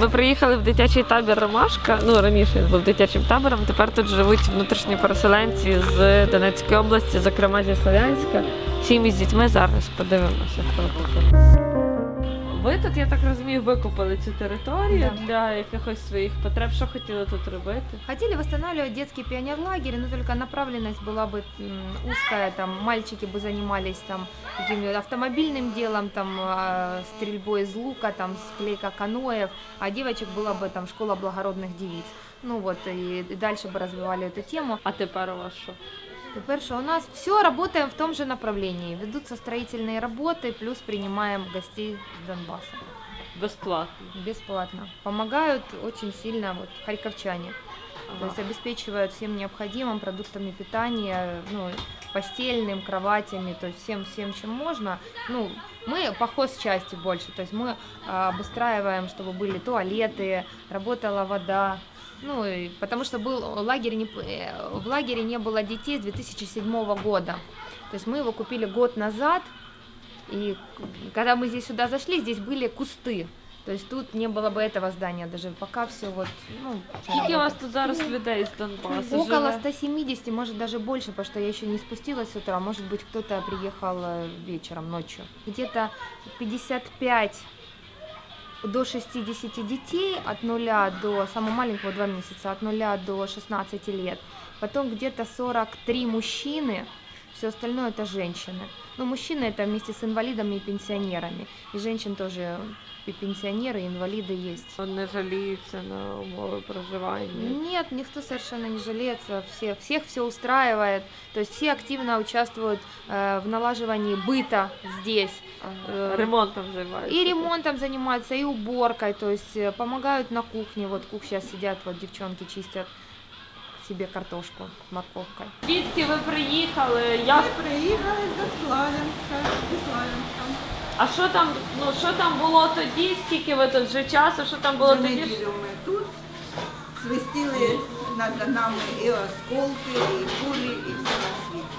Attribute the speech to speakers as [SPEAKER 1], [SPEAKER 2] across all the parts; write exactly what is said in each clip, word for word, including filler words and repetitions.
[SPEAKER 1] Ми приїхали в дитячий табір «Ромашка». Ну, раніше він був дитячим табором, тепер тут живуть внутрішні переселенці з Донецької області, зокрема зі Слов'янська. Сім'ї з дітьми, зараз подивимося, хто тут. Ви тут, я так розумію, викупили цю територію
[SPEAKER 2] да.
[SPEAKER 1] для якихось своїх потреб. Що хотіли тут робити?
[SPEAKER 2] Хотели восстанавливать детский пионерлагерь, но только направленность была бы узкая, там мальчики бы занимались там каким-то автомобильным делом, там стрельбой из лука, там склейка каноев, а девочек была бы там школа благородных девиц. Ну вот, и дальше бы развивали эту тему.
[SPEAKER 1] А тепер у вас що?
[SPEAKER 2] Теперь что у нас все, работаем в том же направлении. Ведутся строительные работы, плюс принимаем гостей с Донбасса.
[SPEAKER 1] Безплатно?
[SPEAKER 2] Бесплатно. Помогают очень сильно вот, харьковчане.
[SPEAKER 1] Ага.
[SPEAKER 2] То есть обеспечивают всем необходимым продуктами питания, ну, постельным, кроватями, то есть всем, всем, чем можно. Ну, мы по хозчасти больше, то есть мы а, обустраиваем, чтобы были туалеты, работала вода. Ну, и потому что был лагерь, не, в лагере не было детей с две тысячи седьмого года. То есть мы его купили год назад, и когда мы здесь сюда зашли, здесь были кусты. То есть тут не было бы этого здания даже, пока все вот, ну...
[SPEAKER 1] Сколько у вас тут зараз людей с Донбасса
[SPEAKER 2] Около
[SPEAKER 1] живет?
[SPEAKER 2] ста семидесяти, может даже больше, потому что я еще не спустилась с утра, может быть кто-то приехал вечером, ночью. Где-то пятьдесят пять до шестидесяти детей, от нуля до, самого маленького два месяца, от нуля до шестнадцати лет. Потом где-то сорок три мужчины, все остальное это женщины. Ну, мужчины это вместе с инвалидами и пенсионерами. И женщин тоже и пенсионеры, и инвалиды есть.
[SPEAKER 1] Он не жалеется на умовы проживания?
[SPEAKER 2] Нет, никто совершенно не жалеется, все, всех все устраивает. То есть все активно участвуют э, в налаживании быта здесь.
[SPEAKER 1] Ага. Ремонтом занимаются?
[SPEAKER 2] И ремонтом занимаются, и уборкой, то есть э, помогают на кухне. Вот кух сейчас сидят, вот девчонки чистят себе картошку с морковкой.
[SPEAKER 1] Звідки ви приїхали? Як?
[SPEAKER 3] Ми приїхали до Славянська, до Славянська.
[SPEAKER 1] А що там, ну, що там було тоді? Скільки ви тут вже часу? Що там було
[SPEAKER 3] За
[SPEAKER 1] тоді?
[SPEAKER 3] неділю ми тут свистіли над нами і осколки, і кулі, і все на світі.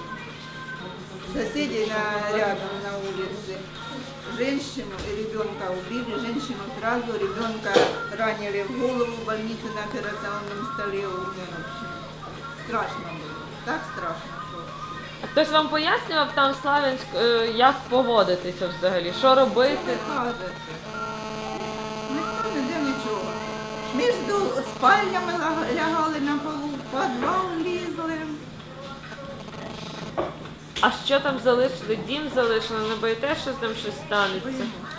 [SPEAKER 3] Соседи на, рядом на улице женщину и ребенка убили. Женщину сразу, ребенка ранили в голову, в больнице на операционном столе умер. В общем, страшно было, так страшно, что...
[SPEAKER 1] А хтось вам пояснював там в Славянськ, е, як поводитися взагалі? Що робити?
[SPEAKER 3] Не кажете. Ніхто не де нічого. Між спальнями ла- лягали на полу, в підвал лізли.
[SPEAKER 1] А що там залишили? Дім залишили? Не боїте, що з ним щось станеться?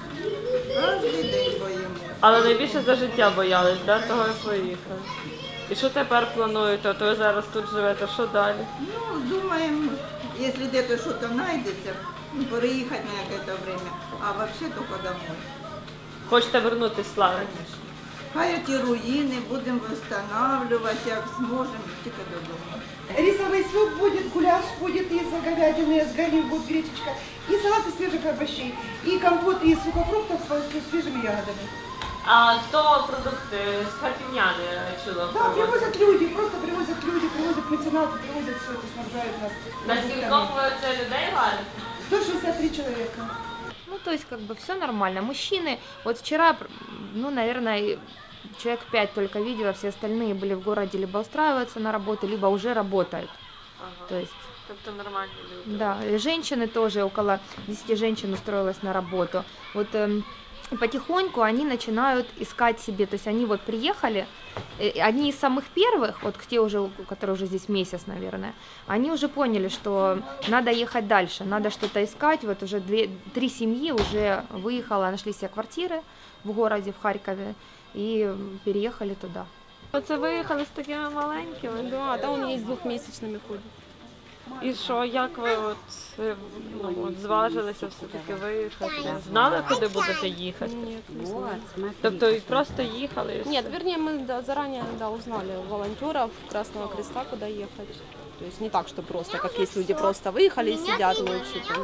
[SPEAKER 3] Кожен день боїмося.
[SPEAKER 1] Але найбільше за життя боялись, да? Того і виїхали. І що тепер плануєте? То ви зараз тут живете, що далі?
[SPEAKER 3] Ну, думаем, если где-то что-то найдется, ну, переехать на какое-то время, а вообще только домой.
[SPEAKER 1] Хочете вернутися в Славянськ?
[SPEAKER 3] Конечно. Хай ті руїни будемо восстанавливать, як зможемо, тільки додому.
[SPEAKER 4] Рисовый суп будет, гуляш будет из говядины, с говядины будет гречечка, и салат из свежих овощей, и компот из сухофруктов с с свежими ягодами.
[SPEAKER 1] А то продукти з Харківняни, я чула.
[SPEAKER 4] Да, привозят люди, просто привозят люди, привозят меценаты, привозят все это, снабжают нас.
[SPEAKER 1] Наскільки
[SPEAKER 4] продуктами.
[SPEAKER 1] ви це людей варите?
[SPEAKER 4] сто шестьдесят три человека.
[SPEAKER 2] Ну, то есть, как бы все нормально. Мужчины, вот вчера, ну, наверное, человек пять только видела, все остальные были в городе, либо устраиваются на работу, либо уже работают.
[SPEAKER 1] Ага.
[SPEAKER 2] То есть,
[SPEAKER 1] Тобто нормальні люди.
[SPEAKER 2] да, и женщины тоже, около десяти женщин устроилась на работу. Вот эм, потихоньку они начинают искать себе, то есть они вот приехали, э, одни из самых первых, вот те уже, которые уже здесь месяц, наверное, они уже поняли, что надо ехать дальше, надо что-то искать, вот уже две, три семьи уже выехало, нашли себе квартиры в городе, в Харькове, и переехали туда.
[SPEAKER 1] Оце виїхали з такими маленькими?
[SPEAKER 5] Да, да, он есть двухмесячными ходит.
[SPEAKER 1] І що, як ви от, е, ну, от зважилися все-таки виїхати? Знали, куди будете їхати?
[SPEAKER 5] Нет, не знаю.
[SPEAKER 1] Тобто і просто їхали? і все?
[SPEAKER 5] Нет, вернее, мы да, заранее да, узнали у волонтеров Красного Креста, куда ехать. То есть не так, что просто, как есть люди просто выехали и сидят, мы вообще там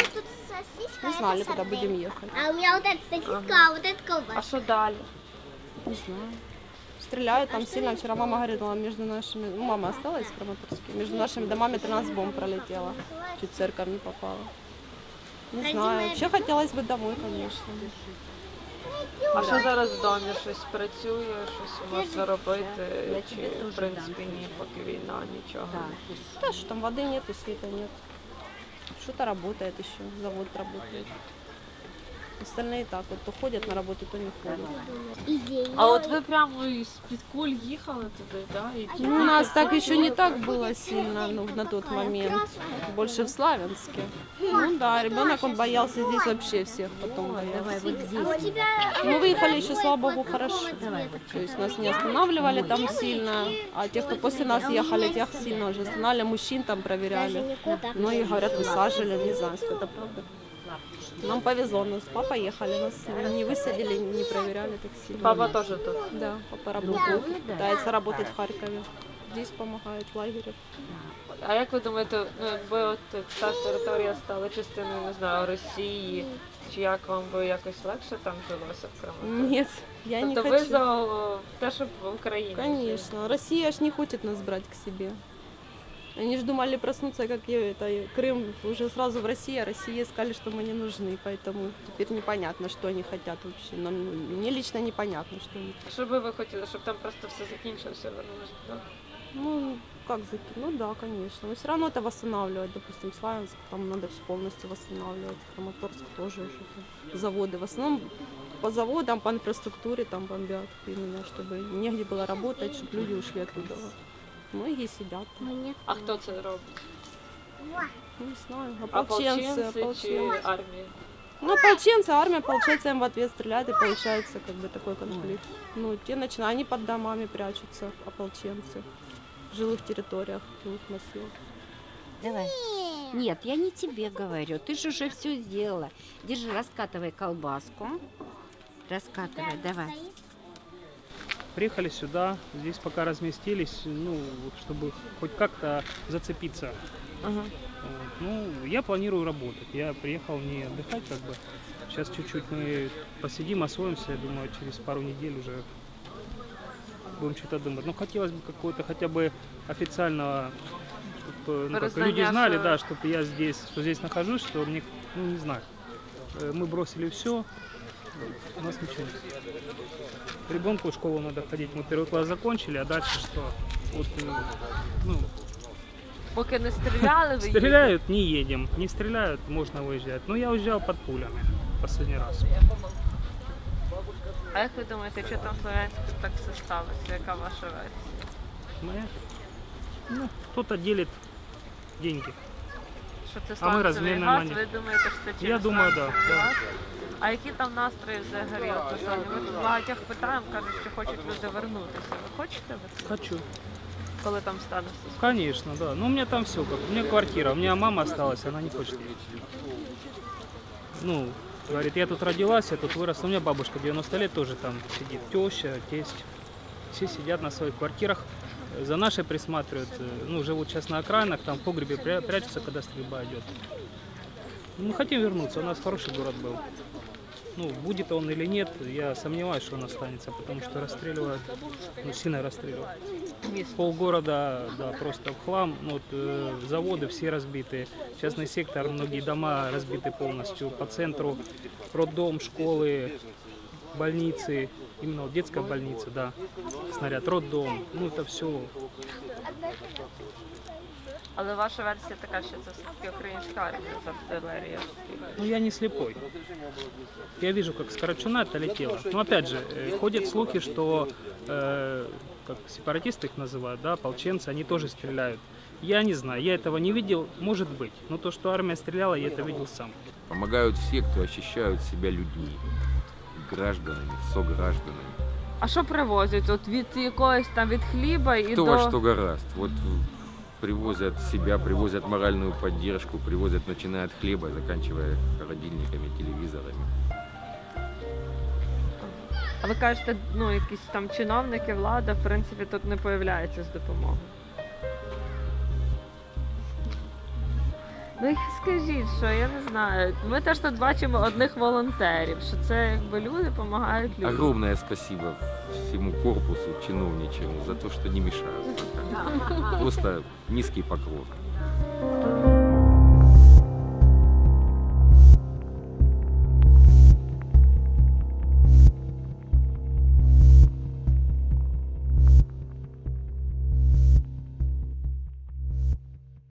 [SPEAKER 5] не знали, куда будем ехать.
[SPEAKER 6] А у меня вот эта сосиска, а вот эта
[SPEAKER 1] А
[SPEAKER 6] колбаска.
[SPEAKER 1] що далі?
[SPEAKER 5] Не знаю. Стреляют там сильно. Вчера мама говорила, между нашими, ну, мама осталась в Краматорске, между нашими домами тринадцать бомб пролетело. Чуть в церковь не попала. Не знаю. Вообще хотелось бы домой, конечно.
[SPEAKER 1] А що зараз в домі? Щось працює, щось можна робити? Чи, в принципі, ні, поки війна, нічого?
[SPEAKER 5] Да, что там воды нет и света нет. Что-то работает еще, завод работает. Остальные так вот, то ходят на работу, то не ходят.
[SPEAKER 1] А от ви прямо із-під куль їхали туди, да? І
[SPEAKER 5] Ну, у нас так еще не так было сильно, ну, на тот момент. Больше в Славянске. Ну да, ребенок, он боялся здесь вообще всех потом боялся. Мы выехали еще, слава богу, хорошо. То есть нас не останавливали там сильно, а тех, кто после нас ехали, тех сильно уже останавливали, мужчин там проверяли. Многие говорят, высаживали, не знаю, сколько это правда. Нам повезло, нас папа ехали, нас не высадили, не проверяли так сильно.
[SPEAKER 1] Папа теж тут?
[SPEAKER 5] Да, папа работает, пытается работать в Харькове. Здесь помогает в лагере.
[SPEAKER 1] А як ви думаєте, ну якби от ця територія стала частиною, не знаю, Росії, чи як вам би якось легше там жилося в Криму?
[SPEAKER 5] Нет, я не
[SPEAKER 1] Тобто ви
[SPEAKER 5] хочу.
[SPEAKER 1] за о, те, щоб в Україні?
[SPEAKER 5] Конечно, Россия ж не хочет нас брать к себе. Они же думали проснуться, как и это, и Крым уже сразу в России, а России сказали, что мы не нужны, поэтому теперь непонятно, что они хотят вообще. Нам, мне лично непонятно, что они хотят.
[SPEAKER 1] Що би ви хотіли, щоб там просто все закінчилося, вернулося туди?
[SPEAKER 5] Ну, как закинуть? Ну да, конечно. Но все равно это восстанавливать. Допустим, Славянск, там надо все полностью восстанавливать. Краматорск тоже уже. Там, заводы. В основном по заводам, по инфраструктуре там бомбят именно, чтобы негде было работать, чтобы люди ушли оттуда. Многие сидят там.
[SPEAKER 1] А хто це робить?
[SPEAKER 5] Не знаю. Ополченцы,
[SPEAKER 1] Ополченці чи
[SPEAKER 5] ополченцы.
[SPEAKER 1] армія?
[SPEAKER 5] Ну, ополченцы, армия, получается, им в ответ стреляет, и получается как бы такой конфликт. Ну, те начинают, они под домами прячутся, ополченцы. В жилых территориях, в жилых массивах.
[SPEAKER 7] Давай. Нет, я не тебе говорю. Ты же уже все сделала. Держи, раскатывай колбаску. Раскатывай, давай.
[SPEAKER 8] Приехали сюда, здесь пока разместились, ну, чтобы хоть как-то зацепиться.
[SPEAKER 1] Ага.
[SPEAKER 8] Вот. Ну, я планирую работать. Я приехал не отдыхать, как бы. Сейчас чуть-чуть мы посидим, освоимся. Я думаю, через пару недель уже будем что-то думать. Ну, хотелось бы какого-то хотя бы официального, чтобы ну, как, люди знали, да, чтобы я здесь, что здесь нахожусь, что мне, ну, не знаю, мы бросили все, у нас ничего нет. Ребенку в школу надо ходить, мы первый класс закончили, а дальше что? Вот, ну,
[SPEAKER 1] Поки не стріляли, ви
[SPEAKER 8] стреляют, не едем, не стреляют, можно выезжать. Ну, я уезжал под пулями последний раз.
[SPEAKER 1] А як ви думаєте, що там в Слов'янську так все сталося? Яка ваша версія?
[SPEAKER 8] Моя? Ну, кто-то делит деньги.
[SPEAKER 1] Що це
[SPEAKER 8] А ми
[SPEAKER 1] сланцевий
[SPEAKER 8] розмінна
[SPEAKER 1] газ?
[SPEAKER 8] монета.
[SPEAKER 1] Ви думаєте, що це через
[SPEAKER 8] Я думаю,
[SPEAKER 1] сланцевий
[SPEAKER 8] да, да.
[SPEAKER 1] газ? А які там настрої взагалі? От, сьогодні? Ми тут багатьох питаємо, кажуть, що хочуть люди вернутися. Ви хочете? Ви?
[SPEAKER 8] Хочу.
[SPEAKER 1] Коли там стане все?
[SPEAKER 8] Конечно, да. Ну, у меня там все как. У меня квартира, у меня мама осталась, она не хочет ехать. Ну, говорит, я тут родилась, я тут выросла. У меня бабушка девяносто лет тоже там сидит. Теща, тесть. Все сидят на своих квартирах. За нашей присматривают. Ну, живут сейчас на окраинах, там в погребе пря- прячутся, когда стрельба идет. Мы хотим вернуться, у нас хороший город был. Ну, будет он или нет, я сомневаюсь, что он останется, потому что расстреливают, ну, сильно расстреливают. Полгорода, да, просто в хлам, ну, вот, э, заводы все разбиты, частный сектор, многие дома разбиты полностью, по центру роддом, школы, больницы, именно вот детская больница, да, снаряд, роддом, ну, это все.
[SPEAKER 1] Але ваша версія така, що це все-таки українська армія з артилерією.
[SPEAKER 8] Ну, я не слепой. Я вижу, как с Карачуна-то летело. Но опять же, э, ходят слухи, что, э, как сепаратисты их называют, да, ополченцы, они тоже стреляют. Я не знаю, я этого не видел, может быть. Но то, что армия стреляла, я это видел сам.
[SPEAKER 9] Помогают все, кто ощущают себя людьми, гражданами, согражданами.
[SPEAKER 1] А що привозять? От від якогось там, від хліба і
[SPEAKER 9] Кто
[SPEAKER 1] до...
[SPEAKER 9] во что гораст. Вот привозят себя, привозят моральную поддержку, привозят, начиная от хлеба, заканчивая холодильниками, телевизорами.
[SPEAKER 1] А ви кажете, ну, якісь там чиновники, влада, в принципі, тут не появляються з допомогою. Ну і скажіть, що я не знаю. Ми теж тут бачимо одних волонтерів, що це якби люди допомагають людям.
[SPEAKER 9] Огромное спасибо всему корпусу чиновничьему за то, что не мешают. Просто низкий поклон.